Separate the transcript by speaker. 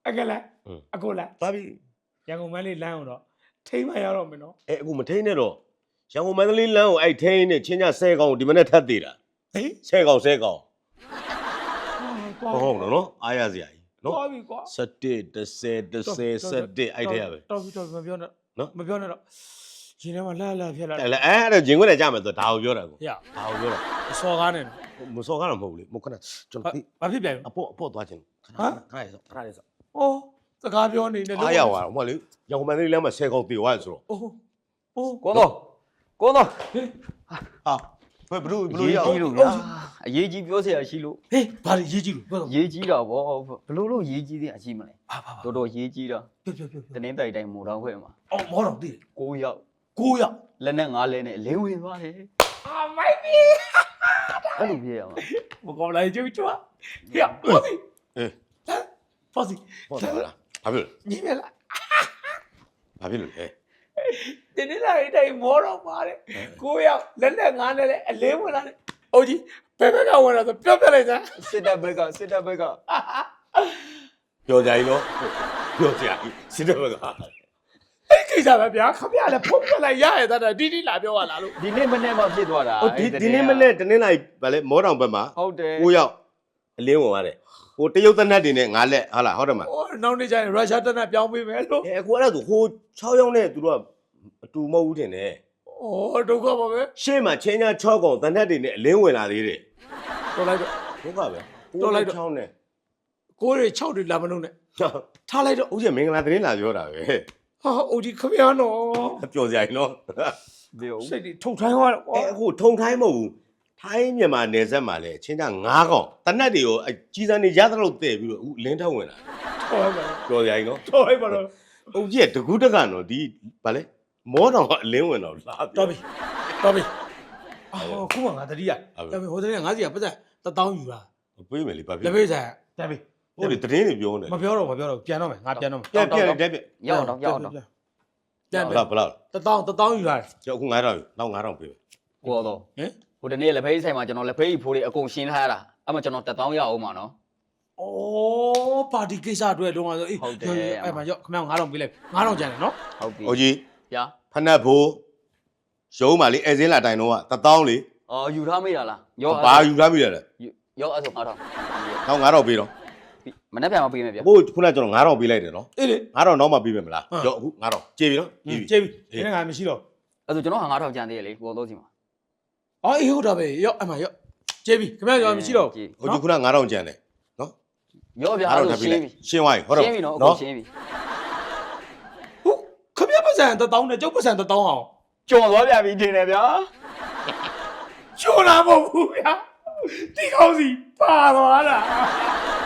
Speaker 1: အကလည်းအကိုလား
Speaker 2: ပါပြီ
Speaker 1: ရန်ကုန်မန်းလေးလမ်းအောင်တော့ထိမ့်မရတော့မယ်နော်
Speaker 2: အခုမထိန်နဲ့တော့ရန်ကုန်မန္တလေးလမ်းကိုအဲ့ထိန်နဲ့ချင်းကြ10ကောင်ဒီမနေ့ထပ်သေးတာ
Speaker 1: ဟေး
Speaker 2: 10ကောင်10ကောင်
Speaker 1: ဟုတ်
Speaker 2: ဟုတ်နော်အားရစရာကြီးနော်
Speaker 1: သွားပြီကွာ
Speaker 2: 17 10 11အဲ့ထဲရပဲ
Speaker 1: တော်ပြီမပြောနဲ့နော်မပြောနဲ့တော့ရှင်ထဲမှာလှဖြစ်လာ
Speaker 2: အဲ့ဒါဂျင်ခွန်းနဲ့ကြမယ်ဆိုဒါကိုပြောတာကို
Speaker 1: ဟေ့
Speaker 2: ဒါကိုပြောတာ
Speaker 1: အစော်ကားနဲ့
Speaker 2: မစော်ကားတော့မဟုတ်ဘူးလေမခဏကျွန်တော်
Speaker 1: ဘာဖြစ်ပြန်
Speaker 2: အပေါ့သွားခြင်းခဏလေးစောခဏလေးစော
Speaker 1: အိုးစကားပြောနေတယ်
Speaker 2: အားရသွားတော့မဟုတ်လေရန်ကုန်မန္တလေးလမ်းမှာ10ကောင်တေသွားရဆိုတော့
Speaker 1: အိုးအိုး
Speaker 3: ကိုတော့ကိုတော့
Speaker 2: ဟာဘယ်လို
Speaker 3: ရေး
Speaker 2: ရ
Speaker 3: ကြီးလို့ဗျာအရေးကြီးပြောစရာရှိလို့
Speaker 1: ဟေးဘာလဲရေးကြည့်လို့ပြောတော့
Speaker 3: ရေးကြီးတာဗောဘလို့လို့ရေးကြီးတဲ့အရှိမလဲ
Speaker 1: ဘာ
Speaker 3: တော်တော်ရေးကြီးတာ
Speaker 1: ပြော
Speaker 3: တနင်းတိုက်တိုင်းမိုးတောင်ခွဲမှာ
Speaker 1: အော်မောတော့တည်
Speaker 3: 9ယောက်
Speaker 1: 9ရောက်
Speaker 3: လက်နဲ့9လဲနဲ့လင်းဝင်သွားတယ်
Speaker 1: အာမိုက်ပြီ
Speaker 3: အဲ့လိုပြရမှာ
Speaker 1: မကောင်းလိုက်ကြွချွာဟေ့ဖောစီ
Speaker 2: အေး
Speaker 1: ဖောစီ
Speaker 2: ဟုတ်တယ်လားဘာဖြစ်လဲ
Speaker 1: ညီမလား
Speaker 2: ဘာဖြစ်လို့လဲ
Speaker 1: ဒီနေ့လိုက်တိုင်းမောတော့ပါတယ်9ရောက်လက်နဲ့9နဲ့လည်းအလင်းဝင်လာတယ်အိုးကြီးဘယ်ဘက်ကဝင်လာဆိုပြောပြလိုက်စမ်း
Speaker 3: စစ်တပ်ဘက်က
Speaker 2: ပြောကြရင်နော်ပြောကြရင်စစ်တဲ့ဘက်က
Speaker 1: အဲ့ကိစ္စပဲဗျာခမရလည်းဖုန်းပြလိုက်ရရတဲ့တီလာပြောရလားလို့
Speaker 3: ဒီနေ့မနေ့မှဖြစ်သွားတာ
Speaker 2: ဟိုဒီနေ့မနေ့တနင်္လာရီဗာလဲမောတောင်ဘက်မှာ
Speaker 3: ဟုတ်တယ်
Speaker 2: 9ယောက်အလင်းဝင်သွားတယ်ဟိုတရုတ်သက်နတ်တွေနဲ့9လက်ဟုတ်လားဟုတ်တယ်မလား
Speaker 1: ဟိုနောက်နေ့ကျရင်ရုရှားတက်နဲ့ပြောင်းပေးမယ်လို့
Speaker 2: အခုအဲ့ဒါဆိုဟို6ယောက်နဲ့သူတို့ကအတူမဟုတ်ဘူးထင်တယ်
Speaker 1: ဩဒုက္ခပါပဲ
Speaker 2: ရှေ့မှာချင်းချာ6ကောင်သက်နတ်တွေနဲ့အလင်းဝင်လာသေးတယ်
Speaker 1: တော်လိုက်တော့
Speaker 2: ဒုက္ခပဲ
Speaker 1: တော်လိုက်တော့
Speaker 2: 6နဲ့
Speaker 1: ကိုးတွေ6တွေလာမလို့နဲ့ထားလိုက်တော့
Speaker 2: ဦးကျမင်္ဂလာသတင်းလာပြောတာပဲ
Speaker 1: ဟာအိုကြီးခမရနော်
Speaker 2: ပြောကြရင်နော်
Speaker 3: ဒီဟုတ်
Speaker 1: စိတ်တွေထုတ်ထိုင်းသွားတော့
Speaker 2: အခုထုံထိုင်းမဟုတ်ဘူးထိုင်းမြန်မာနယ်စပ်မှာလဲချင်းချာ9ကောင်သက်နတ်တွေကိုကြီးစံနေရသလောက်တဲ့ပြီးတော့ဦးလင်းထောက်ဝင်လာ
Speaker 1: ထော်လိုက်ပါ
Speaker 2: ပြောကြရင်နော်
Speaker 1: ထော်လိုက်ပါတော့
Speaker 2: ဦးကြီးကတကူးတက်ကနော်ဒီဗာလဲမောတောင်ကအလင်းဝင်တော့လာ
Speaker 1: တော်ပြီအော်ခုမှငါတတိယတော်ပြီဟိုတည်းကငါးစီကပတ်သက်1000ယူတာ
Speaker 2: ပေးမယ်လေဘာဖြစ်
Speaker 1: လက်ဖေးဆိုင်တက်ပြီ
Speaker 2: ဟုတ်တယ်သတင်းတွေပြောနေ
Speaker 1: မပြောတော့ပြန်တော့မယ်ငါပြန်တော့မယ်
Speaker 2: ပြန်တက်ပြ
Speaker 3: ရောက်တော့
Speaker 1: ပြန်
Speaker 2: ဘလားဘလား
Speaker 1: 1000ယူလာတယ်
Speaker 2: ကျော်အခု9000နောက်9000ပေးမယ်
Speaker 3: ကိုတော့
Speaker 1: ဟင်
Speaker 3: ဟိုတနေ့လက်ဖေးဆိုင်မှာကျွန်တော်လက်ဖေးဖိုးတွေအကုန်ရှင်းထားရတာအဲ့မှာကျွန်တော်1000ရအောင်မှာနော်
Speaker 1: ဩပါတီကိစ္စအတွက်လုံးဝဆိုအေးအဲ့မှာရောခမ9000ပေးလိုက်9000ကျန်တယ်နော်
Speaker 3: ဟုတ်ပြီ
Speaker 2: ဟိုကြီး
Speaker 3: ဗျာ
Speaker 2: ဖနက်ဖို့ရုံးပါလေအဲစင်းလာတိုင်တော့က1000လေ
Speaker 3: အော်ယူထားမိတာလားရော
Speaker 2: ဘာယူထားမိရလဲ
Speaker 3: ရောအဲ့ဆို9000
Speaker 2: နောက်9000ပေးတော့
Speaker 3: မနေ့ပြန်မပေးမယ်ဗျာ
Speaker 2: အခုခုနကကျွန်တော်9000ပေးလိုက်တယ်နော်
Speaker 1: အေးလေ
Speaker 2: 9000နောက်မှပေးမယ်မလားကျော်အခု9000ကြေပြီနော်
Speaker 1: ကျေးပြီဒီနေ့ငါမရှိတော့
Speaker 3: အဲ့ဆိုကျွန်တော်ဟာ9000ကျန်သေးတယ်လေကိုတော့စီမှာ
Speaker 1: အော်အေးဟုတ်တာပဲရောအဲ့မှာရောကျေးပြီခမရောမရှိတော့
Speaker 2: ဟိုကြီးခုန9000ကျန်တယ်နော်
Speaker 3: ရောဗျာအဲ့လိုရှင်းပြီ
Speaker 2: ရှင်းသွားပြီဟုတ်တော့
Speaker 3: ရှင်းပြီနော်အခုရှင်းပြီ
Speaker 1: ဟုတ်ခမပတ်စံ1000နဲ့ကျုပ်ပတ်စံ1000အောင်
Speaker 3: ကြော်သွားပြန်ပြီထင်တယ်ဗျာ
Speaker 1: ချိုးလာမဟုတ်ဘူးဗျာဒီကောင်းစီပါသွားတာ